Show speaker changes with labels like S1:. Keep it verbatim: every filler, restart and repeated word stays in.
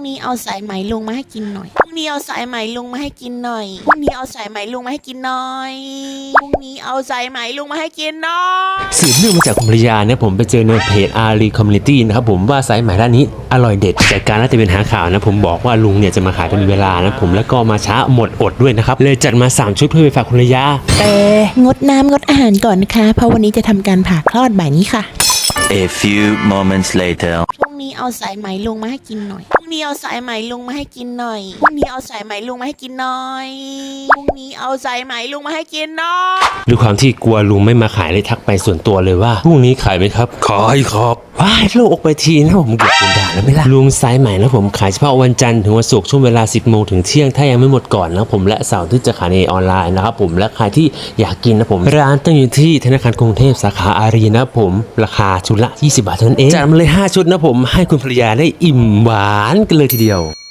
S1: นี้เอาสายไหมลุงมาให้กินหน่อยพรุ่งนี้เอาสายไหมลุงมาให้กินหน่อยพรุ่งนี้เอาสายไหมลุงมาให้กินหน่อยพรุ่งนี้เอาสายไหมลุงมาให้กินหน่อย
S2: สืบเนื่องมาจากคุณภรรยาเนี่ยผมไปเจอในเพจอารีคอมมูนิตี้นะครับผมว่าสายไหมร้านนี้อร่อยเด็ดจากการน่าจะเป็นหาข่าวนะผมบอกว่าลุงเนี่ยจะมาขายเป็นเวลานะผมแล้วก็มาช้าหมดอดด้วยนะครับเลยจัดมาสามชุดเพื่อไปฝากคุณภรรยา
S1: แต่งดน้ำงดอาหารก่อนนะคะเพราะวันนี้จะทำการผ่าคลอดบ่ายนี้ค่ะ
S3: A few moments later
S1: พรุ่งนี้เอาสายไหมลุงมาให้กินหน่อยพรุ่งนี้เอาสายไหมลุงมาให้กินหน่อยพรุ่งนี้เอาสายไหมลุงมาให้กินหน่อยพรุ่งนี้เอาสายไหมลุงมาให้กินหน่อย
S2: ด้วยความที่กลัวลุงไม่มาขายเลยทักไปส่วนตัวเลยว่าพรุ่งนี้ขายไหมครับขายครับว้ายโลกออกไปทีนะผมเกือบโดนด่าแล้วไม่ล่ะลุงสายไหมนะผมขายเฉพาะวันจันทร์ถึงวันศุกร์ช่วงเวลาสิบโมงถึงเที่ยงถ้ายังไม่หมดก่อนนะผมและเสาร์ที่จะขายในออนไลน์นะครับผมและใครที่อยากกินนะผมร้านตั้งอยู่ที่ธนาคารกรุงเทพสาขาอารีนะผมราคาชุดละยี่สิบบาทเท่านั้นเองจัดมาเลยห้าชุดนะผมให้คุณภรรยาได้อิ่มหวานกันเลยทีเดียว